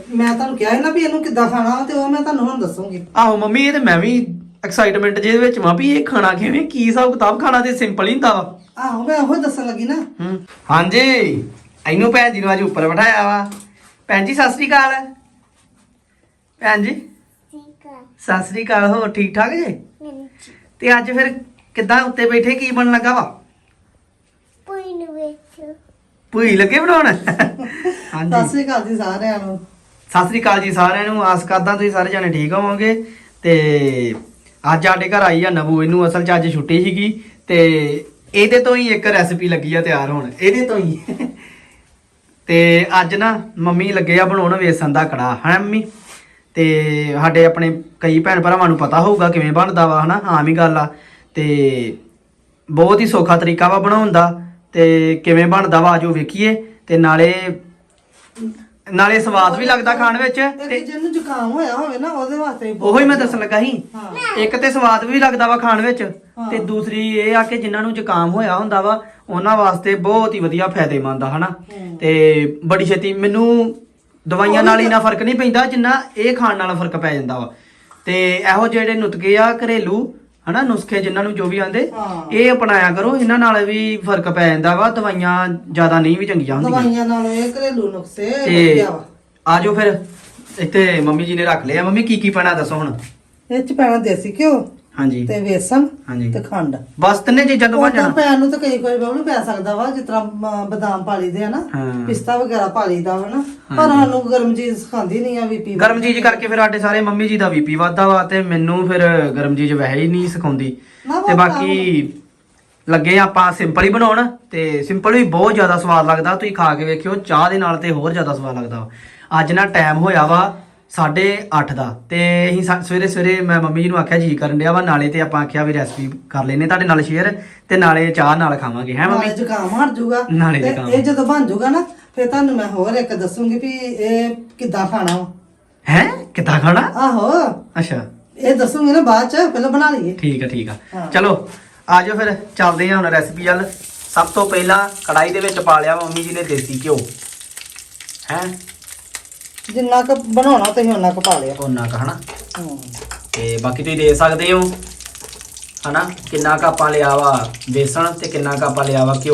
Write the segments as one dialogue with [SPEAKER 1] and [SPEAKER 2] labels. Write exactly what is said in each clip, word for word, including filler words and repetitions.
[SPEAKER 1] ਮੈਂ ਤੁਹਾਨੂੰ ਕਿਹਾ ਸੀ ਨਾ ਵੀ ਇਹਨੂੰ ਕਿੱਦਾਂ ਖਾਣਾ ਤੇ ਉਹ ਮੈਂ ਤੁਹਾਨੂੰ ਹੁਣ ਦੱਸੂਗੀ।
[SPEAKER 2] ਆਹੋ ਮੰਮੀ ਇਹ ਤੇ ਮੈਂ ਵੀ ਐਕਸਾਈਟਮੈਂਟ ਜਿਹਦੇ ਵਿੱਚ ਮਾਂ ਵੀ ਇਹ ਖਾਣਾ ਕਿਵੇਂ ਕੀ ਹਿਸਾਬ ਕਿਤਾਬ ਖਾਣਾ ਤੇ ਸਿੰਪਲ ਹੀ ਹੁੰਦਾ ਵਾ।
[SPEAKER 1] ਆਹੋ ਮੈਂ ਉਹੀ ਦੱਸਣ ਲੱਗੀ ਨਾ।
[SPEAKER 2] ਹੂੰ ਹਾਂਜੀ ਇਹਨੂੰ ਭੈਣ ਜੀ ਨੂੰ ਅੱਜ ਉੱਪਰ ਬਿਠਾਇਆ ਵਾ। ਭੈਣ ਜੀ ਸਤਿ ਸ੍ਰੀ ਅਕਾਲ। ਭੈਣ ਜੀ ਸਤਿ ਸ੍ਰੀ ਅਕਾਲ। ਹੋਰ ਠੀਕ ਠਾਕ ਜੇ? ਤੇ ਅੱਜ ਫਿਰ ਕਿੱਦਾਂ ਉੱਤੇ ਬੈਠੇ ਕੀ ਬਣਨ ਲੱਗਾ ਵਾ?
[SPEAKER 3] ਪੂਈ ਨੂੰ ਵੇਚ
[SPEAKER 2] ਭੂਈ ਲੱਗੇ ਬਣਾਉਣ।
[SPEAKER 1] ਸਤਿ
[SPEAKER 2] ਹਾਂਜੀ
[SPEAKER 1] ਸ੍ਰੀ ਅਕਾਲ ਜੀ ਸਾਰਿਆਂ ਨੂੰ।
[SPEAKER 2] ਸਤਿ ਸ੍ਰੀ ਅਕਾਲ ਜੀ ਸਾਰਿਆਂ ਨੂੰ। ਆਸ ਕਰਦਾ ਤੁਸੀਂ ਸਾਰੇ ਜਾਣੇ ਠੀਕ ਹੋਵੋਗੇ। ਤੇ ਅੱਜ ਸਾਡੇ ਘਰ ਆਈ ਆ ਨਬੂ। ਇਹਨੂੰ ਅਸਲ 'ਚ ਅੱਜ ਛੁੱਟੀ ਸੀਗੀ ਤੇ ਇਹਦੇ ਤੋਂ ਹੀ ਇੱਕ ਰੈਸਪੀ ਲੱਗੀ ਆ ਤਿਆਰ ਹੋਣ ਇਹਦੇ ਤੋਂ ਹੀ। ਤੇ ਅੱਜ ਨਾ ਮੰਮੀ ਲੱਗੇ ਆ ਬਣਾਉਣ ਵੇਸਣ ਦਾ ਕੜਾ ਹੈ ਮੰਮੀ। ਤੇ ਸਾਡੇ ਆਪਣੇ ਕਈ ਭੈਣ ਭਰਾਵਾਂ ਨੂੰ ਪਤਾ ਹੋਊਗਾ ਕਿਵੇਂ ਬਣਦਾ ਵਾ ਹਨਾ, ਆਮ ਹੀ ਗੱਲ ਆ। ਤੇ ਬਹੁਤ ਹੀ ਸੌਖਾ ਤਰੀਕਾ ਵਾ ਬਣਾਉਣ ਦਾ ਤੇ ਕਿਵੇਂ ਬਣਦਾ ਵਾ ਆਜੋ ਵੇਖੀਏ। ਤੇ ਨਾਲੇ ਨਾਲੇ ਸਵਾਦ ਵੀ ਲੱਗਦਾ ਖਾਣ ਵਿੱਚ
[SPEAKER 1] ਤੇ
[SPEAKER 2] ਤੇ
[SPEAKER 1] ਜਿਹਨੂੰ ਜ਼ੁਕਾਮ ਹੋਇਆ ਹੋਵੇ ਨਾ ਉਹਦੇ ਵਾਸਤੇ
[SPEAKER 2] ਉਹੋ ਹੀ ਮੈਂ ਦੱਸਣ ਲੱਗਾ ਸੀ।
[SPEAKER 1] ਹਾਂ
[SPEAKER 2] ਇੱਕ ਤੇ ਸਵਾਦ ਵੀ ਲੱਗਦਾ ਵਾ ਖਾਣ ਵਿੱਚ
[SPEAKER 1] ਹਾਂ।
[SPEAKER 2] ਤੇ ਦੂਸਰੀ ਇਹ ਆ ਕਿ ਜਿਨ੍ਹਾਂ ਨੂੰ ਜ਼ੁਕਾਮ ਹੋਇਆ ਹੁੰਦਾ ਵਾ ਉਹਨਾਂ ਵਾਸਤੇ ਬਹੁਤ ਹੀ ਵਧੀਆ ਫਾਇਦੇਮੰਦ ਆ ਹਨਾ।
[SPEAKER 1] ਹੂੰ।
[SPEAKER 2] ਤੇ ਬੜੀ ਛੇਤੀ ਮੈਨੂੰ ਦਵਾਈਆਂ ਨਾਲ ਇੰਨਾ ਫਰਕ ਨਹੀਂ ਪੈਂਦਾ ਜਿੰਨਾ ਇਹ ਖਾਣ ਨਾਲ ਫਰਕ ਪੈ ਜਾਂਦਾ ਵਾ। ਤੇ ਇਹੋ ਜਿਹੜੇ ਨੁਤਕੇ ਆ ਘਰੇਲੂ ਹਨਾ ਨੁਸਖੇ ਜਿਨ੍ਹਾਂ ਨੂੰ ਜੋ ਵੀ ਆਂਦੇ
[SPEAKER 1] ਹਾਂ।
[SPEAKER 2] ਇਹ ਅਪਣਾਇਆ ਕਰੋ। ਇਹਨਾਂ ਨਾਲ ਵੀ ਫਰਕ ਪੈ ਜਾਂਦਾ ਵਾ। ਦਵਾਈਆਂ ਜ਼ਿਆਦਾ ਨਹੀਂ ਵੀ ਚੰਗੀਆਂ ਹੁੰਦੀਆਂ।
[SPEAKER 1] ਦਵਾਈਆਂ ਨਾਲ ਇਹ ਘਰੇਲੂ ਨੁਕਸੇ
[SPEAKER 2] ਤੇ
[SPEAKER 1] ਵਧੀਆ ਵਾ।
[SPEAKER 2] ਆਜੋ ਫਿਰ ਇੱਥੇ ਮੰਮੀ ਜੀ ਨੇ ਰੱਖ ਲਿਆ। ਮੰਮੀ ਕੀ ਕੀ ਪੈਣਾ ਦੱਸੋ ਹੁਣ?
[SPEAKER 1] ਇਹ ਚ ਪੈਣਾ ਦੇਸੀ ਘਿਓ
[SPEAKER 2] ਹਾਂਜੀ
[SPEAKER 1] ਤੇ ਵੇਸਣ
[SPEAKER 2] ਹਾਂਜੀ
[SPEAKER 1] ਤੇ ਖੰਡ।
[SPEAKER 2] ਬਸ ਤਿੰਨੇ ਚੀਜ਼ਾਂ ਤੋਂ ਬਣ
[SPEAKER 1] ਉਹ ਤਾਂ
[SPEAKER 2] ਜਾਣਾ।
[SPEAKER 1] ਪੈਣ ਨੂੰ ਤਾਂ ਕਈ ਕੋਈ ਬਾਹਰ ਪੈ ਸਕਦਾ ਵਾ, ਜਿਸ ਤਰ੍ਹਾਂ ਅਮ, ਬਦਾਮ ਪਾ ਲਈਦੇ ਆ ਨਾ,
[SPEAKER 2] ਹਾਂ।
[SPEAKER 1] ਪਿਸਤਾ ਵਗੈਰਾ ਪਾ ਲਈਦਾ ਵਾ ਨਾ। ਪਰ ਸਾਨੂੰ ਗਰਮ ਚੀਜ਼ ਖਾਂਦੀ ਨਹੀਂ ਆ ਬੀਪੀ
[SPEAKER 2] ਗਰਮ ਚੀਜ਼ ਕਰਕੇ ਫਿਰ ਸਾਡੇ ਸਾਰੇ ਮੰਮੀ ਜੀ ਦਾ ਬੀਪੀ ਵੱਧਦਾ ਵਾ ਤੇ ਮੈਨੂੰ ਫਿਰ ਗਰਮ ਚੀਜ਼ ਵੈਸੇ ਹੀ ਨਹੀਂ ਸਿਖਾਉਂਦੀ।
[SPEAKER 1] ਨਾ
[SPEAKER 2] ਤੇ
[SPEAKER 1] ਵਾ
[SPEAKER 2] ਬਾਕੀ ਲੱਗੇ ਆਪਾਂ ਸਿੰਪਲ ਹੀ ਬਣਾਉਣ ਤੇ ਸਿੰਪਲ ਵੀ ਬਹੁਤ ਜ਼ਿਆਦਾ ਸਵਾਦ ਲੱਗਦਾ। ਤੁਸੀਂ ਖਾ ਕੇ ਵੇਖਿਓ ਚਾਹ ਦੇ ਨਾਲ ਤੇ ਹੋਰ ਜ਼ਿਆਦਾ ਸਵਾਦ ਲੱਗਦਾ ਵਾ। ਅੱਜ ਨਾ ਟਾਈਮ ਹੋਇਆ ਵਾ ਸਾਢੇ ਅੱਠ ਦਾ ਤੇ ਅਸੀਂ ਸਾ- ਸਵੇਰੇ ਸਵੇਰੇ ਮੈਂ ਮੰਮੀ ਜੀ ਨੂੰ ਆਖਿਆ ਜੀ ਕਰਨ ਡਿਆ ਵਾ ਨਾਲੇ ਤੇ ਆਪਾਂ ਆਖਿਆ ਵੀ ਰੈਸਪੀ ਕਰ ਲੈਨੇ ਤੁਹਾਡੇ ਨਾਲ ਸ਼ੇਅਰ ਤੇ ਨਾਲੇ ਚਾਹ ਨਾਲ ਖਾਵਾਂਗੇ ਹੈ ਮੰਮੀ।
[SPEAKER 1] ਨਾਲੇ ਜ਼ੁਕਾਮ ਹਟ ਜਾਊਗਾ
[SPEAKER 2] ਨਾਲੇ
[SPEAKER 1] ਤੇ
[SPEAKER 2] ਜ਼ੁਕਾਮ।
[SPEAKER 1] ਇਹ ਜਦੋਂ ਬਣ ਜਾਊਗਾ ਨਾ ਫਿਰ ਤੁਹਾਨੂੰ ਮੈਂ ਹੋਰ ਇੱਕ ਦੱਸੂਗੀ ਵੀ ਇਹ ਕਿੱਦਾਂ ਖਾਣਾ ਵਾ।
[SPEAKER 2] ਹੈ ਕਿੱਦਾਂ ਖਾਣਾ?
[SPEAKER 1] ਆਹੋ
[SPEAKER 2] ਅੱਛਾ
[SPEAKER 1] ਇਹ ਦੱਸੂਗੀ ਨਾ ਬਾਅਦ ਚ, ਪਹਿਲਾਂ ਬਣਾ ਲਈਏ।
[SPEAKER 2] ਠੀਕ ਆ ਠੀਕ ਆ
[SPEAKER 1] ਹਾਂ।
[SPEAKER 2] ਚਲੋ ਆਜੋ ਫਿਰ ਚੱਲਦੇ ਹਾਂ ਹੁਣ ਰੈਸਪੀ ਵੱਲ। ਸਭ ਤੋਂ ਪਹਿਲਾਂ ਕੜਾਈ ਦੇ ਵਿੱਚ ਪਾ ਲਿਆ ਮੰਮੀ ਜੀ ਨੇ ਦੇਸੀ ਘਿਓ ਹੈ
[SPEAKER 1] ਜਿੰਨਾ ਕੁ ਬਣਾਉਣਾ ਤੁਸੀਂ ਉਹਨਾਂ ਕੁ ਪਾ ਲਿਆ।
[SPEAKER 2] ਉਹਨਾਂ ਕ ਹਨਾ।
[SPEAKER 1] ਹੂੰ।
[SPEAKER 2] ਤੇ ਬਾਕੀ ਤੁਸੀਂ ਦੇ ਸਕਦੇ ਹੋ ਹਨਾ ਕਿੰਨਾ ਕੁ ਆਪਾਂ ਲਿਆ ਵਾ ਬੇਸਣ ਤੇ ਕਿੰਨਾ ਕੁ ਆਪਾਂ ਲਿਆ ਵਾ ਘਿਓ।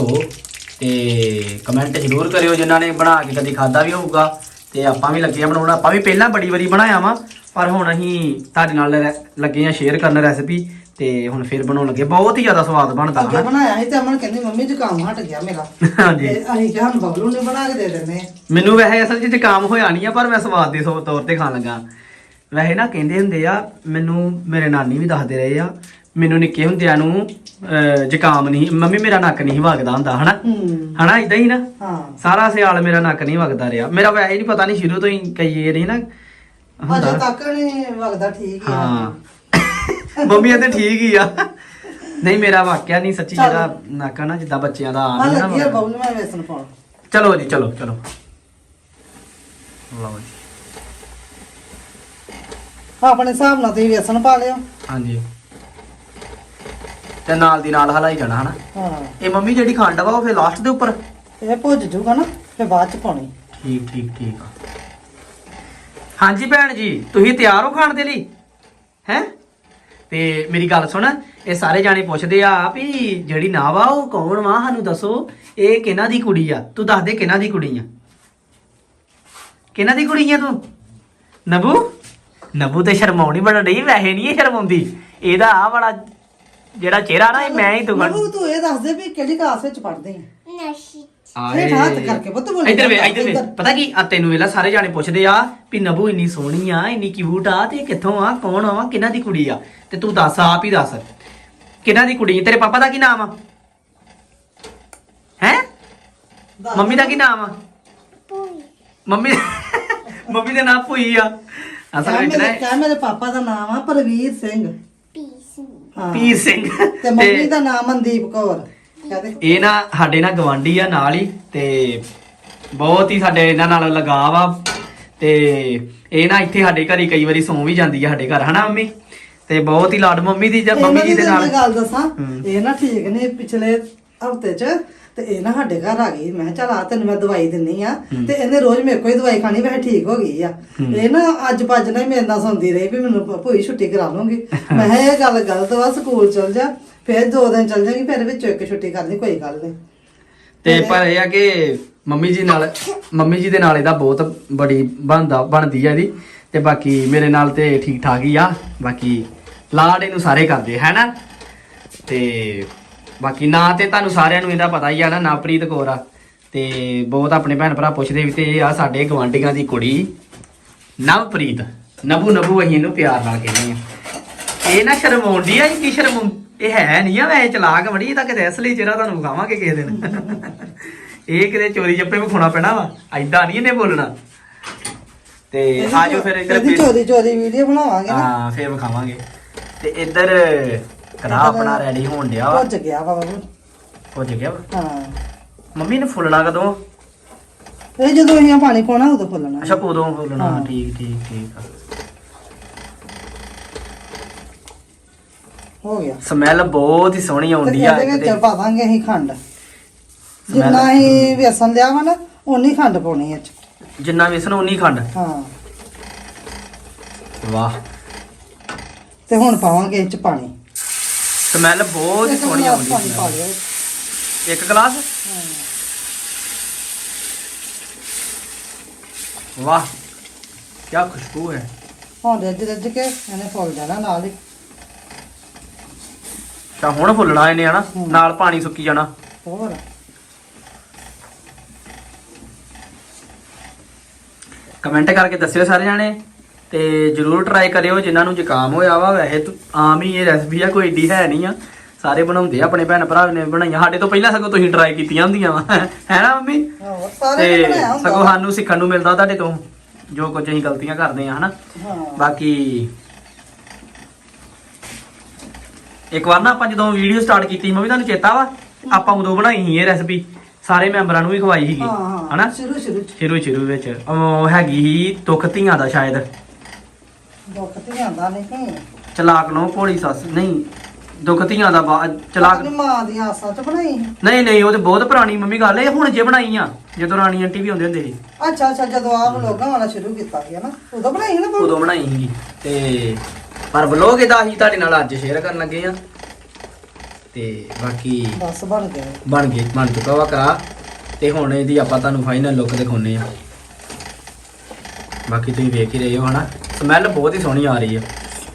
[SPEAKER 2] ਤੇ ਕਮੈਂਟ ਜ਼ਰੂਰ ਕਰਿਓ ਜਿਨ੍ਹਾਂ ਨੇ ਬਣਾ ਕੇ ਕਦੀ ਖਾਦਾ ਵੀ ਹੋਊਗਾ। ਤੇ ਆਪਾਂ ਵੀ ਲੱਗੇ ਆ ਬਣਾਉਣਾ। ਆਪਾਂ ਵੀ ਪਹਿਲਾਂ ਬੜੀ ਵਾਰੀ ਬਣਾਇਆ ਵਾ ਪਰ ਹੁਣ ਅਸੀਂ ਤੁਹਾਡੇ ਨਾਲ ਰੈ- ਲੱਗੇ ਆ ਸ਼ੇਅਰ ਕਰਨ ਰੈਸਪੀ ਤੇ ਹੁਣ ਫਿਰ ਬਣਾਉਣ ਲੱਗੇ। ਬਹੁਤ ਹੀ ਜ਼ਿਆਦਾ ਸਵਾਦ ਬਣਦਾ
[SPEAKER 1] ਅੱਗੇ
[SPEAKER 2] ਹਨਾ।
[SPEAKER 1] ਬਣਾਇਆ ਸੀ ਤੇ ਅਮਨ ਕਹਿੰਦੀ ਮੰਮੀ ਜ਼ੁਕਾਮ ਹਟ ਗਿਆ ਮੇਰਾ।
[SPEAKER 2] ਹਾਂਜੀ
[SPEAKER 1] ਤੇ ਅਸੀਂ ਕਿਹਾ ਹੁਣ ਬਬਲੂ ਨੇ ਬਣਾ ਕੇ ਦੇ ਦਿੰਦੇ ਆ।
[SPEAKER 2] ਮੈਨੂੰ ਵੈਸੇ ਅਸਲ 'ਚ ਜ਼ੁਕਾਮ ਹੋਇਆ ਨਹੀਂ ਆ ਪਰ ਮੈਂ ਸਵਾਦ ਦੇ ਸੌ- ਤੌਰ ਤੇ ਖਾਣ ਲੱਗਾ। ਵੈਸੇ ਨਾ ਕਹਿੰਦੇ ਹੁੰਦੇ ਆ ਮੈਨੂੰ ਮੇਰੇ ਨਾਨੀ ਵੀ ਦੱਸਦੇ ਰਹੇ ਆ ਮੈਨੂੰ ਨਿੱਕੇ ਹੁੰਦਿਆਂ ਨੂੰ ਅਹ, ਜ਼ੁਕਾਮ ਨਹੀਂ ਮੰਮੀ ਮੇਰਾ ਨੱਕ ਨਹੀਂ ਵਗਦਾ ਹੁੰਦਾ ਹਨਾ
[SPEAKER 1] ਹੂੰ।
[SPEAKER 2] ਹਨਾ ਇਦਾਂ ਹੀ ਨਾ
[SPEAKER 1] ਹਾਂ
[SPEAKER 2] ਸਾਰਾ ਸਿਆਲ ਮੇਰਾ ਨੱਕ ਨਹੀਂ ਵਗਦਾ ਰਿਹਾ। ਮੇਰਾ ਵੈਸੇ ਹੀ ਨਹੀਂ ਪਤਾ ਨਹੀਂ ਸ਼ੁਰੂ ਤੋਂ ਹੀ ਕਈ ਇਹ ਨਹੀਂ ਨਾ
[SPEAKER 1] ਅਜੇ
[SPEAKER 2] ਹੁੰਦਾ।
[SPEAKER 1] ਤੱਕ ਨਹੀਂ ਵਗਦਾ ਠੀਕ ਹੀ ਆ।
[SPEAKER 2] ਹਾਂ ਮੰਮੀ ਇਹ ਤੇ ਠੀਕ ਹੀ ਆ। ਨਹੀਂ ਮੇਰਾ ਵਾਕਿਆ ਨਹੀਂ ਸੱਚੀ
[SPEAKER 1] ਚੱਲ।
[SPEAKER 2] ਜਿਹੜਾ ਨੱਕ ਆ ਨਾ ਜਿੱਦਾਂ ਬੱਚਿਆਂ ਦਾ
[SPEAKER 1] ਆ
[SPEAKER 2] ਆਮ ਹੀ ਨਾ
[SPEAKER 1] ਲੱਗੀ ਆ
[SPEAKER 2] ਵਗਦਾ।
[SPEAKER 1] ਬਬਲੂ ਮੈਂ ਵੇਸਣ ਪਾਉਣ।
[SPEAKER 2] ਚਲੋ ਜੀ ਚਲੋ ਚਲੋ ਲਓ ਜੀ
[SPEAKER 1] ਆਪਣੇ ਹਿਸਾਬ ਨਾਲ ਤੁਸੀਂ ਵੇਸਣ ਪਾ ਲਿਓ।
[SPEAKER 2] ਹਾਂਜੀ ਤੇ ਨਾਲ ਦੀ ਨਾਲ ਹਲਾਈ ਜਾਣਾ ਹਨਾ।
[SPEAKER 1] ਹਾਂ
[SPEAKER 2] ਇਹ ਮੰਮੀ ਜਿਹੜੀ ਖੰਡ ਵਾ ਉਹ ਫਿਰ ਲਾਸਟ ਦੇ ਉੱਪਰ।
[SPEAKER 1] ਇਹ ਭੁੱਜ ਜੂਗਾ ਨਾ ਫਿਰ ਬਾਅਦ ਚ ਪਾਉਣੀ।
[SPEAKER 2] ਠੀਕ ਠੀਕ ਠੀਕ ਆ। ਹਾਂਜੀ ਭੈਣ ਜੀ ਤੁਸੀਂ ਤਿਆਰ ਹੋ ਖਾਣ ਦੇ ਲਈ ਹੈ? ਤੇ ਮੇਰੀ ਗੱਲ ਸੁਣ ਇਹ ਸਾਰੇ ਜਾਣੇ ਪੁੱਛਦੇ ਆ ਵੀ ਜਿਹੜੀ ਨਾ ਵਾ ਉਹ ਕੌਣ ਵਾ ਸਾਨੂੰ ਦੱਸੋ ਇਹ ਕਿਹਨਾਂ ਦੀ ਕੁੜੀ ਆ? ਤੂੰ ਦੱਸ ਦੇ ਕਿਹਨਾਂ ਦੀ ਕੁੜੀ ਆ? ਕਿਹਨਾਂ ਦੀ ਕੁੜੀ ਆ ਤੂੰ? ਨਬੂ ਨਬੂ ਤੇ ਸ਼ਰਮਾਉਣੀ ਬਣ ਰਹੀ ਵੈਸੇ ਨਹੀਂ ਇਹ ਸ਼ਰਮਾਉਂਦੀ। ਇਹਦਾ ਆ ਬੜਾ ਜਿਹੜਾ ਚਿਹਰਾ ਨਾ ਇਹ ਮੈਂ ਹੀ ਤੂੰ
[SPEAKER 1] ਮੈਨੂੰ ਤੂੰ ਇਹ ਦੱਸ ਦੇ ਵੀ ਕਿਹੜੀ ਕਲਾਸ ਵਿੱਚ ਪੜ੍ਹਦੇ ਆ।
[SPEAKER 3] ਨਸ਼ੀ
[SPEAKER 1] ਹੇਠ ਹੱਥ ਕਰਕੇ ਪੁੱਤ ਬੋਲੀ
[SPEAKER 2] ਇੱਧਰ ਵੇ
[SPEAKER 1] ਜਾਂਦਾ,
[SPEAKER 2] ਇੱਧਰ ਵੇ
[SPEAKER 1] ਇੱਧਰ।
[SPEAKER 2] ਪਤਾ ਕੀ ਆ ਤੈਨੂੰ ਵੇਲਾ ਸਾਰੇ ਜਾਣੇ ਪੁੱਛਦੇ ਆ ਵੀ ਨਬੂ ਇੰਨੀ ਸੋਹਣੀ ਆ ਇੰਨੀ ਕਿਊਟ ਆ ਤੇ ਇਹ ਕਿੱਥੋਂ ਆ ਕੌਣ ਆ ਕਿਹਨਾਂ ਦੀ ਕੁੜੀ ਆ? ਤੇ ਤੂੰ ਦੱਸ ਆਪ ਹੀ ਦੱਸ ਕਿਹਨਾਂ ਦੀ ਕੁੜੀ? ਤੇਰੇ ਪਾਪਾ ਦਾ ਕੀ ਨਾਮ ਆ? ਹੈ
[SPEAKER 1] ਦੱਸ।
[SPEAKER 2] ਮੰਮੀ ਦਾ ਕੀ ਨਾਮ ਆ?
[SPEAKER 3] ਪੂਈ
[SPEAKER 2] ਮੰਮੀ ਮੰਮੀ ਦਾ ਨਾਮ ਭੂਈ ਆ ਅਸਲ
[SPEAKER 1] ਕਹਿ
[SPEAKER 2] ਵਿੱਚ
[SPEAKER 1] ਮੇਰੇ
[SPEAKER 2] ਨਾ
[SPEAKER 1] ਕਹਿ ਮੇਰੇ ਪਾਪਾ ਦਾ ਨਾਮ ਆ ਪਰਵੀਰ ਸਿੰਘ।
[SPEAKER 3] ਪੀਸ
[SPEAKER 1] ਹਾਂ।
[SPEAKER 2] ਪੀਰ ਸਿੰਘ
[SPEAKER 1] ਤੇ ਮੰਮੀ ਦਾ ਨਾਮ ਮਨਦੀਪ ਕੌਰ। ਕਹਦੇ
[SPEAKER 2] ਇਹ ਨਾ ਸਾਡੇ ਨਾਲ ਗਵਾਂਢੀ ਆ ਨਾਲ ਹੀ ਤੇ ਬਹੁਤ ਹੀ ਸਾਡੇ ਇਹਨਾਂ ਨਾਲ ਲਗਾਵ ਆ ਤੇ ਇਹ ਨਾ ਇੱਥੇ ਸਾਡੇ ਘਰ ਹੀ ਕਈ ਵਾਰੀ ਸੌਂ ਵੀ ਜਾਂਦੀ ਆ ਸਾਡੇ ਘਰ ਹਨਾ ਮੰਮੀ। ਤੇ ਬਹੁਤ ਹੀ ਲਾਡ ਮੰਮੀ ਦੀ ਜਾਂ ਮੰਮੀ ਜੀ ਦੇ ਨਾਲ
[SPEAKER 1] ਗੱਲ ਦੱਸਾਂ
[SPEAKER 2] ਹੂੰ।
[SPEAKER 1] ਇਹ ਨਾ ਠੀਕ ਨੇ ਪਿਛਲੇ ਹਫਤੇ 'ਚ ਤੇ ਇਹ ਨਾ ਸਾਡੇ ਘਰ ਆ ਗਈ। ਮੈਂ ਕਿਹਾ ਚੱਲ ਆ ਤੈਨੂੰ ਮੈਂ ਦਵਾਈ ਦਿੰਨੀ ਆ ਤੇ ਇਹਨੇ ਰੋਜ਼ ਮੇਰੇ ਕੋਲ ਹੀ ਦਵਾਈ ਖਾਣੀ, ਵੈਸੇ ਠੀਕ ਹੋ ਗਈ ਆ। ਇਹ ਨਾ ਅੱਜ ਭੱਜ ਨਾ ਹੀ ਮੇਰੇ ਨਾਲ ਸੌਂਦੀ ਰਹੀ ਵੀ ਮੈਨੂੰ ਭੂਈ ਛੁੱਟੀ ਕਰਾ ਲੂੰਗੀ। ਮੈਂ ਕਿਹਾ ਇਹ ਗੱਲ ਗਲਤ ਵਾ, ਸਕੂਲ ਚਲ ਜਾ, ਫਿਰ ਦੋ ਦਿਨ ਚਲ ਜਾਗੀ, ਫਿਰ ਵਿੱਚੋਂ ਇੱਕ ਛੁੱਟੀ ਕਰ ਲਈ, ਕੋਈ ਗੱਲ ਨਹੀਂ।
[SPEAKER 2] ਤੇ ਪਰ ਇਹ ਆ ਕਿ ਮੰਮੀ ਜੀ ਨਾਲ ਮੰਮੀ ਜੀ ਦੇ ਨਾਲ ਇਹਦਾ ਬਹੁਤ ਬੜੀ ਬਣਦਾ ਬਣਦੀ ਆ ਇਹਦੀ, ਤੇ ਬਾਕੀ ਮੇਰੇ ਨਾਲ ਤੇ ਠੀਕ ਠਾਕ ਹੀ ਆ। ਬਾਕੀ ਲਾਡ ਇਹਨੂੰ ਸਾਰੇ ਕਰਦੇ ਹੈ ਨਾ। ਤੇ ਬਾਕੀ ਨਾਂ ਤੇ ਤੁਹਾਨੂੰ ਸਾਰਿਆਂ ਨੂੰ ਇਹਦਾ ਪਤਾ ਹੀ ਆ ਨਾ, ਨਵਪ੍ਰੀਤ ਕੌਰ ਆ। ਤੇ ਬਹੁਤ ਆਪਣੇ ਭੈਣ ਭਰਾ ਪੁੱਛਦੇ ਵੀ, ਤੇ ਇਹ ਆ ਸਾਡੇ ਗਵਾਂਢੀਆਂ ਦੀ ਕੁੜੀ ਨਵਪ੍ਰੀਤ, ਨਬੂ ਨਬੂ ਅਸੀਂ ਇਹਨੂੰ ਪਿਆਰ ਨਾਲ ਕਹਿੰਦੇ ਆ। ਇਹ ਨਾ ਸ਼ਰਮਾਉਂਦੀ ਆ, ਕੀ ਸ਼ਰਮ ਇਹ ਹੈ ਨਹੀਂ ਆ, ਵੈਸੇ ਚਲਾਕ ਬੜੀ। ਇਹ ਤਾਂ ਕਿਤੇ ਅਸਲੀ ਚਿਹਰਾ ਤੁਹਾਨੂੰ ਵਿਖਾਵਾਂਗੇ ਕਿਸੇ ਦਿਨ। ਇਹ ਕਿਤੇ ਚੋਰੀ ਜੱਪੇ ਵਿਖਾਉਣਾ ਪੈਣਾ ਵਾ, ਐਦਾਂ ਨਹੀਂ ਇਹਨੇ ਬੋਲਣਾ। ਤੇ ਆਜੋ ਫਿਰ ਇੱਧਰ
[SPEAKER 1] ਇਹਦੀ ਚੋਰੀ ਚੋਰੀ ਵੀਡੀਓ ਬਣਾਵਾਂਗੇ ਨਾ।
[SPEAKER 2] ਹਾਂ ਫਿਰ ਵਿਖਾਵਾਂਗੇ। ਤੇ ਇੱਧਰ ਕੜਾ ਆਪਣਾ ਰੈਡੀ ਹੋਣ ਡਿਆ ਵਾ।
[SPEAKER 1] ਭੁੱਜ ਗਿਆ ਵਾ ਬਾਬੂ।
[SPEAKER 2] ਭੁੱਜ ਗਿਆ ਵਾ।
[SPEAKER 1] ਹਾਂ
[SPEAKER 2] ਮੰਮੀ ਨੇ ਫੁੱਲਣਾ ਕਦੋਂ?
[SPEAKER 1] ਇਹ ਜਦੋਂ ਅਸੀਂ ਪਾਣੀ ਪਾਉਣਾ ਉਦੋਂ ਫੁੱਲਣਾ।
[SPEAKER 2] ਅੱਛਾ ਉਦੋਂ ਫੁੱਲਣਾ।
[SPEAKER 1] ਹਾਂ।
[SPEAKER 2] ਠੀਕ ਠੀਕ ਠੀਕ ਆ।
[SPEAKER 1] ਹੋ ਗਿਆ।
[SPEAKER 2] ਸਮੈਲ ਬਹੁਤ ਹੀ ਸੋਹਣੀ
[SPEAKER 1] ਤੇ
[SPEAKER 2] ਆਉਂਦੀ ਆ।
[SPEAKER 1] ਇਹਦੇ ਵਿੱਚ
[SPEAKER 2] ਕਿਤੇ
[SPEAKER 1] ਪਾ ਦਾਂਗੇ ਅਸੀਂ ਖੰਡ।
[SPEAKER 2] ਸਮੈਲ-
[SPEAKER 1] ਜਿੰਨਾ ਅਸੀਂ ਵੇਸਣ ਲਿਆ ਵਾ ਨਾ ਓਨੀ ਖੰਡ ਪਾਉਣੀ ਇਹ 'ਚ।
[SPEAKER 2] ਜਿੰਨਾ ਵੇਸਣ ਉਨੀ ਖੰਡ।
[SPEAKER 1] ਹਾਂ
[SPEAKER 2] ਵਾਹ,
[SPEAKER 1] ਤੇ ਹੁਣ ਪਾਵਾਂਗੇ ਇਹ 'ਚ ਪਾਣੀ।
[SPEAKER 2] ਸਮੈਲ ਬਹੁਤ ਹੀ
[SPEAKER 1] ਇੱਕ
[SPEAKER 2] ਸੋਹਣੀ
[SPEAKER 1] ਗਲਾਸ
[SPEAKER 2] ਆਉਂਦੀ
[SPEAKER 1] ਪਾਣੀ ਪਾ
[SPEAKER 2] ਸਮੈਲ।
[SPEAKER 1] ਲਿਆ।
[SPEAKER 2] ਇੱਕ ਗਲਾਸ। ਵਾਹ ਕੀ ਖੁਸ਼ਬੂ ਹੈ।
[SPEAKER 1] ਹੁਣ ਰੱਜ ਰੱਜ ਕੇ ਇਹਨੇ ਫੁੱਲ ਜਾਣਾ ਨਾਲ ਹੀ।
[SPEAKER 2] ਤਾਂ ਹੁਣ ਫੁੱਲਣਾ ਇਹਨੇ ਹਨਾ,
[SPEAKER 1] ਹੂੰ।
[SPEAKER 2] ਨਾਲ ਪਾਣੀ ਸੁੱਕੀ ਜਾਣਾ।
[SPEAKER 1] ਹੋਰ
[SPEAKER 2] ਕਮੈਂਟ ਕਰਕੇ ਦੱਸਿਓ ਸਾਰੇ ਜਾਣੇ, ਤੇ ਜਰੂਰ ਟਰਾਈ ਕਰਿਓ ਜਿਨ੍ਹਾਂ ਨੂੰ ਜ਼ੁਕਾਮ ਹੋਇਆ ਵਾ। ਵੈਸੇ ਤਾਂ ਆਮ ਹੀ ਇਹ ਰੈਸਪੀ ਆ, ਕੋਈ ਏਡੀ ਹੈ ਨਹੀਂ ਆ, ਸਾਰੇ ਬਣਾਉਂਦੇ ਆ, ਆਪਣੇ ਭੈਣ ਭਰਾ ਨੇ ਬਣਾਈਆਂ। ਸਾਡੇ ਤੋਂ ਪਹਿਲਾਂ ਸਗੋਂ ਤੁਸੀਂ ਟਰਾਈ ਕੀਤੀਆਂ ਹੁੰਦੀਆਂ ਵਾ, ਹੈ ਨਾ ਮੰਮੀ?
[SPEAKER 1] ਹੋਰ ਸਾਰੇ ਨੇ
[SPEAKER 2] ਤੇ
[SPEAKER 1] ਬਣਾਇਆ ਹੁੰਦਾ
[SPEAKER 2] ਸਗੋਂ
[SPEAKER 1] ਵਾ।
[SPEAKER 2] ਸਾਨੂੰ ਸਿੱਖਣ ਨੂੰ ਮਿਲਦਾ ਤੁਹਾਡੇ ਤੋਂ, ਜੋ ਕੁਝ ਅਸੀਂ ਗਲਤੀਆਂ ਕਰਦੇ ਆ ਹਨਾ।
[SPEAKER 1] ਹਾਂ
[SPEAKER 2] ਬਾਕੀ ਇੱਕ ਵਾਰ ਨਾ ਆਪਾਂ ਜਦੋਂ ਵੀਡੀਓ ਸਟਾਰਟ ਕੀਤੀ ਮੰਮੀ, ਤੁਹਾਨੂੰ ਚੇਤਾ ਵਾ ਆਪਾਂ ਉਦੋਂ ਬਣਾਈ ਸੀ ਇਹ ਰੈਸਪੀ, ਸਾਰੇ ਮੈਂਬਰਾਂ ਨੂੰ ਵੀ ਖਵਾਈ ਸੀਗੀ
[SPEAKER 1] ਹਾਂ ਹਾਂ
[SPEAKER 2] ਹਨਾ।
[SPEAKER 1] ਸ਼ੁਰੂ ਸ਼ੁਰੂ ਚ
[SPEAKER 2] ਸ਼ੁਰੂ ਸ਼ੁਰੂ ਵਿੱਚ ਉਹ ਹੈਗੀ ਸੀ ਦੁੱਖ ਧੀਆਂ ਦਾ, ਸ਼ਾਇਦ
[SPEAKER 1] ਦੁੱਖ ਤੇ ਆਂਦਾ ਨਹੀਂ।
[SPEAKER 2] ਚਲਾਕ ਨੂੰ ਭੋਲੀ ਸੱਸ, ਨਹੀਂ ਦੁੱਖ ਧੀਆਂ ਦਾ ਬਾ- ਚਲਾਕ
[SPEAKER 1] ਆਪਣੀ ਮਾਂ ਦੀ ਆਸਾਂ ਚ ਬਣਾਈ।
[SPEAKER 2] ਨਹੀਂ ਨਹੀਂ ਉਹ ਤੇ ਬਹੁਤ ਪੁਰਾਣੀ ਮੰਮੀ ਗੱਲ ਇਹ ਹੁਣ ਜੇ ਬਣਾਈ ਆ, ਜਦੋਂ ਰਾਣੀ ਆਂਟੀ ਵੀ ਹੁੰਦੇ ਹੁੰਦੇ ਸੀ
[SPEAKER 1] ਅੱਛਾ ਅੱਛਾ ਜਦੋਂ ਆਪ ਲੋਕਾਂ ਵਾਲਾ ਸ਼ੁਰੂ ਕੀਤਾ ਗਿਆ ਨਾ ਉਦੋਂ ਬਣਾਈ ਸੀ ਨਾ ਬਾਬੂ?
[SPEAKER 2] ਉਦੋਂ ਬਣਾਈ ਸੀਗੀ। ਤੇ ਪਰ ਵਲੋਗ ਇਹਦਾ ਅਸੀਂ ਤੁਹਾਡੇ ਨਾਲ ਅੱਜ ਸ਼ੇਅਰ ਕਰਨ ਲੱਗੇ ਆ। ਤੇ ਬਾਕੀ
[SPEAKER 1] ਬਸ ਬਣ ਗਿਆ।
[SPEAKER 2] ਬਣ ਗਈ ਬਣ ਚੁੱਕਾ ਵਾ ਕਰਾ। ਤੇ ਹੁਣ ਇਹਦੀ ਆਪਾਂ ਤੁਹਾਨੂੰ ਫਾਈਨਲ ਲੁੱਕ ਦਿਖਾਉਨੇ ਆ। ਬਾਕੀ ਤੁਸੀਂ ਵੇਖ ਹੀ ਰਹੇ ਹੋ ਹਨਾ, ਸਮੈਲ ਬਹੁਤ ਹੀ ਸੋਹਣੀ ਆ ਰਹੀ ਆ।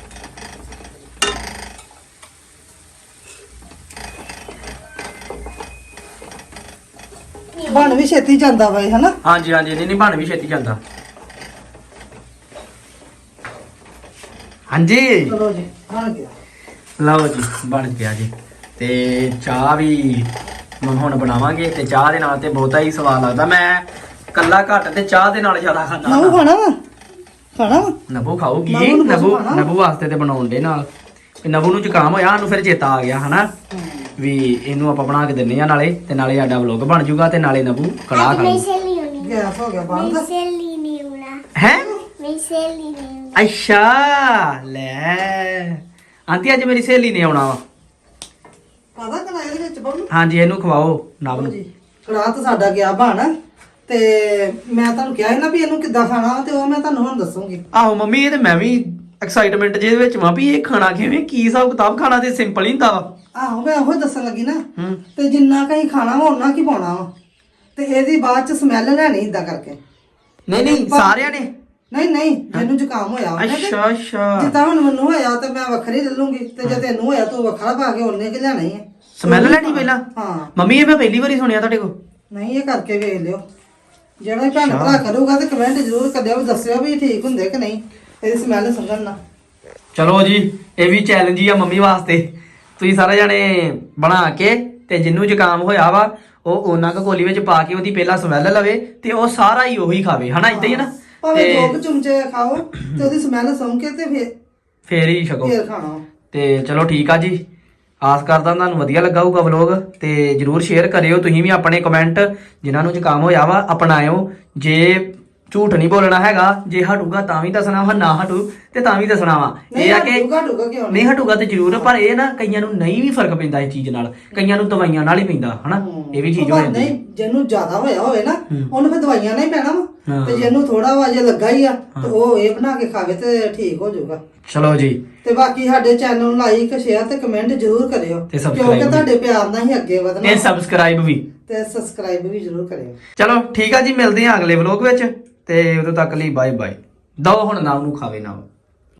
[SPEAKER 1] ਬਣ ਵੀ ਛੇਤੀ ਜਾਂਦਾ ਵਾ ਇਹ ਹਨਾ।
[SPEAKER 2] ਹਾਂਜੀ ਹਾਂਜੀ ਨਹੀਂ ਨਹੀਂ ਬਣ ਵੀ ਛੇਤੀ ਜਾਂਦਾ। ਹਾਂਜੀ
[SPEAKER 1] ਚਲੋ ਜੀ ਬਣ ਗਿਆ।
[SPEAKER 2] ਲਓ ਜੀ ਬਣ ਗਿਆ ਜੀ। ਤੇ ਚਾਹ ਵੀ ਮੈਂ ਹੁਣ ਬਣਾਵਾਂਗੇ, ਤੇ ਚਾਹ ਦੇ ਨਾਲ ਤੇ ਬਹੁਤਾ ਹੀ ਸਵਾਦ ਲੱਗਦਾ। ਮੈਂ ਕੱਲਾ ਘੱਟ ਤੇ ਚਾਹ ਦੇ ਨਾਲ ਜ਼ਿਆਦਾ
[SPEAKER 1] ਨਬੂ
[SPEAKER 2] ਖਾਂਦਾ।
[SPEAKER 1] ਖਾਣਾ ਵਾ ਖਾਣਾ ਵਾ
[SPEAKER 2] ਨਬੂ ਖਾਊਗੀ।
[SPEAKER 1] ਨਬੂ ਨੂੰ
[SPEAKER 2] ਨਬੂ
[SPEAKER 1] ਖਾਣਾ।
[SPEAKER 2] ਨਬੂ ਵਾਸਤੇ ਤੇ ਬਣਾਉਣ ਦੇ ਨਾਲ। ਤੇ ਨਬੂ ਨੂੰ ਜ਼ੁਕਾਮ ਹੋਇਆ, ਸਾਨੂੰ ਫਿਰ ਚੇਤਾ ਆ ਗਿਆ ਹਨਾ ਵੀ ਇਹਨੂੰ ਆਪਾਂ ਬਣਾ ਕੇ ਦਿੰਨੇ ਆ, ਨਾਲੇ ਤੇ ਨਾਲੇ ਸਾਡਾ ਵਲੋਗ ਬਣ ਜਾਊਗਾ, ਤੇ ਨਾਲੇ ਨਬੂ ਕੜਾਹ
[SPEAKER 3] ਮੇਰੀ
[SPEAKER 2] ਖਾਊ।
[SPEAKER 3] ਸਹੇਲੀ ਹੋਣੀ।
[SPEAKER 1] ਗੈਸ ਹੋ ਗਿਆ ਬੰਦ।
[SPEAKER 3] ਮੇਰੀ ਸਹੇਲੀ ਨਹੀਂ ਹੋਣਾ।
[SPEAKER 2] ਹੈ
[SPEAKER 3] ਮੇਰੀ ਸਹੇਲੀ ਨਹੀਂ ਹੋਣਾ।
[SPEAKER 2] ਅੱਛਾ ਲੈ ਆਂਟੀ ਅੱਜ ਮੇਰੀ ਸਹੇਲੀ ਨੇ ਆਉਣਾ ਵਾ।
[SPEAKER 1] ਪਤਾ ਕਿ ਨਾ ਇਹਦੇ ਵਿੱਚ ਬਾਬੂ?
[SPEAKER 2] ਹਾਂਜੀ ਇਹਨੂੰ ਖਵਾਓ ਨਬ
[SPEAKER 1] ਲਓ
[SPEAKER 2] ਨੂੰ।
[SPEAKER 1] ਜੀ ਕੜਾਹ ਤਾਂ ਸਾਡਾ ਗਿਆ ਬਣ। ਤੇ ਮੈਂ ਤੁਹਾਨੂੰ ਕਿਹਾ ਸੀ ਨਾ ਵੀ ਇਹਨੂੰ ਕਿੱਦਾਂ ਖਾਣਾ ਵਾ, ਤੇ ਉਹ ਮੈਂ ਤੁਹਾਨੂੰ ਹੁਣ ਦੱਸੂਗੀ।
[SPEAKER 2] ਆਹੋ ਮੰਮੀ ਇਹ ਤੇ ਮੈਂ ਵੀ ਐਕਸਾਈਟਮੈਂਟ ਜਿਹਦੇ ਵਿੱਚ ਵਾਂ ਵੀ ਇਹ ਖਾਣਾ ਕਿਵੇਂ, ਕੀ ਹਿਸਾਬ ਕਿਤਾਬ। ਖਾਣਾ ਤੇ ਸਿੰਪਲ ਹੀ ਹੁੰਦਾ ਵਾ।
[SPEAKER 1] ਆਹੋ ਮੈਂ ਉਹ ਦੱਸਣ ਲੱਗੀ ਨਾ।
[SPEAKER 2] ਹੂੰ
[SPEAKER 1] ਤੇ ਜਿੰਨਾ ਕਹੀਂ ਖਾਣਾ ਵਾ ਉਹਨਾਂ ਕੀ ਪਾਉਣਾ ਵਾ, ਤੇ ਇਹਦੀ ਬਾਅਦ ਚ ਸਮੈਲ ਲੈਣੀ ਇਦਾਂ ਕਰਕੇ।
[SPEAKER 2] ਨਹੀਂ ਨਹੀਂ ਸਾਰਿਆਂ ਨੇ।
[SPEAKER 1] ਨਹੀਂ ਨਹੀਂ ਜਿਹਨੂੰ ਜ਼ੁਕਾਮ ਹੋਇਆ ਉਹਨੇ ਤੇ-
[SPEAKER 2] ਅੱਛਾ ਅੱਛਾ
[SPEAKER 1] ਜਿੱਦਾਂ ਹੁਣ ਮੈਨੂੰ ਹੋਇਆ ਤੇ ਮੈਂ ਵੱਖਰੀ ਲੈ ਲੂੰਗੀ, ਤੇ ਜੇ ਤੈਨੂੰ ਹੋਇਆ ਤੂੰ ਵੱਖਰਾ ਪਾ ਕੇ ਉਹਨੇ ਕਿ ਲੈਣਾ ਹੀ ਹੈ।
[SPEAKER 2] ਸਮੈਲ ਲੈਣੀ ਪਹਿਲਾਂ?
[SPEAKER 1] ਹਾਂ
[SPEAKER 2] ਮੰਮੀ ਇਹ ਮੈਂ ਪਹਿਲੀ ਵਾਰੀ ਸੁਣਿਆ ਤੁਹਾਡੇ ਕੋਲ।
[SPEAKER 1] ਨਹੀਂ ਇਹ ਕਰਕੇ ਵੇਖ ਲਿਓ। ਜਿਹੜਾ ਵੀ ਭੈਣ ਭਰਾ ਕਰੂਗਾ ਤੇ ਕਮੈਂਟ ਜ਼ਰੂਰ ਕਰਿਓ ਵੀ ਦੱਸਿਓ ਵੀ ਠੀਕ ਹੁੰਦੇ ਕਿ ਨਹੀਂ, ਇਹਦੀ ਸਮੈਲ ਸੁੰਘਣ ਨਾ।
[SPEAKER 2] ਚਲੋ ਜੀ ਇਹ ਵੀ ਚੈਲੰਜ ਹੀ ਆ ਮੰਮੀ ਵਾਸਤੇ। ਤੁਸੀਂ ਸਾਰੇ ਜਾਣੇ ਬਣਾ ਕੇ, ਤੇ ਜਿੰਨੂੰ ਜ਼ੁਕਾਮ ਹੋਇਆ ਵਾ ਉਹ ਉਹਨਾਂ ਕੁ ਕੋਲੀ ਵਿੱਚ ਪਾ ਕੇ ਉਹਦੀ ਪਹਿਲਾਂ ਸਮੈਲ ਲਵੇ, ਤੇ ਉਹ ਸਾਰਾ ਹੀ ਉਹੀ ਖਾਵੇ ਹਨਾ, ਇਦਾਂ ਹੀ ਹੈ ਨਾ।
[SPEAKER 1] ਭਾਵੇਂ
[SPEAKER 2] ਤੇ
[SPEAKER 1] ਦੋ ਕੁ ਚਮਚੇ ਖਾਓ ਤੇ ਉਹਦੀ ਸਮੈਲ ਸੁੰਘ ਕੇ ਤੇ ਫੇਰ
[SPEAKER 2] ਫੇਰ ਹੀ ਛਕੋ।
[SPEAKER 1] ਫੇਰ ਖਾਣਾ।
[SPEAKER 2] ਤੇ ਚਲੋ ਠੀਕ ਆ ਜੀ, ਆਸ ਕਰਦਾ ਤੁਹਾਨੂੰ ਵਧੀਆ ਲੱਗਾ ਹੋਊਗਾ ਵਲੋਗ। ਤੇ ਜਰੂਰ ਸ਼ੇਅਰ ਕਰਿਓ ਤੁਸੀਂ ਵੀ ਆਪਣੇ ਕਮੈਂਟ, ਜਿਨ੍ਹਾਂ ਨੂੰ ਜ਼ੁਕਾਮ ਹੋਇਆ ਵਾ ਅਪਣਾਇਓ। ਜੇ ਝੂਠ ਨਹੀਂ ਬੋਲਣਾ ਹੈਗਾ। ਜੇ ਹਟੂਗਾ ਤਾਂ ਵੀ ਦੱਸਣਾ ਵਾ, ਨਾ ਹਟੂ ਤੇ ਤਾਂ ਵੀ ਦੱਸਣਾ ਵਾ। ਇਹ ਆ ਕਿ
[SPEAKER 1] ਹਟੂਗਾ ਹਟੂਗਾ ਕਿਉਂ
[SPEAKER 2] ਨਹੀਂ ਹਟੂਗਾ ਤੇ ਜ਼ਰੂਰ, ਪਰ ਇਹ ਨਾ ਕਈਆਂ ਨੂੰ ਨਹੀਂ ਵੀ ਫਰਕ ਪੈਂਦਾ ਇਸ ਚੀਜ਼ ਨਾਲ, ਕਈਆਂ ਨੂੰ ਦਵਾਈਆਂ ਨਾਲ ਹੀ ਪੈਂਦਾ ਹਨਾ, ਇਹ ਵੀ ਚੀਜ਼ ਹੋ
[SPEAKER 1] ਪਰ
[SPEAKER 2] ਜਾਂਦੀ
[SPEAKER 1] ਨਹੀਂ ਜਿਹਨੂੰ ਜ਼ਿਆਦਾ ਹੋਇਆ ਹੋਵੇ ਨਾ
[SPEAKER 2] ਹੂੰ।
[SPEAKER 1] ਉਹਨੂੰ ਫਿਰ ਦਵਾਈਆਂ ਨਾਲ ਹੀ ਪੈਣਾ ਵਾ
[SPEAKER 2] ਹਾਂ।
[SPEAKER 1] ਤੇ ਜਿਹਨੂੰ ਥੋੜਾ ਵਾ ਜੇ ਲੱਗਾ ਹੀ ਆ ਤੇ ਉਹ ਇਹ ਬਣਾ ਕੇ ਖਾਵੇ ਤੇ ਠੀਕ ਹੋ ਜਾਊਗਾ।
[SPEAKER 2] ਚਲੋ ਜੀ,
[SPEAKER 1] ਤੇ ਬਾਕੀ ਸਾਡੇ ਚੈਨਲ ਨੂੰ ਲਾਈਕ ਸ਼ੇਅਰ ਤੇ ਕਮੈਂਟ ਜ਼ਰੂਰ ਕਰਿਓ
[SPEAKER 2] ਤੇ subscribe
[SPEAKER 1] ਕਿਉਂਕਿ
[SPEAKER 2] ਵੀ।
[SPEAKER 1] ਤੁਹਾਡੇ ਪਿਆਰ ਨਾਲ ਹੀ ਅੱਗੇ ਵਧਣਾ
[SPEAKER 2] ਤੇ ਸਬਸਕ੍ਰਾਈਬ ਵੀ।
[SPEAKER 1] ਤੇ ਸਬਸਕ੍ਰਾਈਬ ਵੀ ਜ਼ਰੂਰ ਕਰਿਓ।
[SPEAKER 2] ਚਲੋ ਠੀਕ ਆ ਜੀ, ਮਿਲਦੇ ਹਾਂ ਅਗਲੇ ਵਲੋਗ ਵਿੱਚ, ਤੇ ਉਦੋਂ ਤੱਕ ਲਈ ਬਾਏ ਬਾਏ। ਦੋ ਹੁਣ ਨਾ ਉਹਨੂੰ ਖਾਵੇ ਨਾ।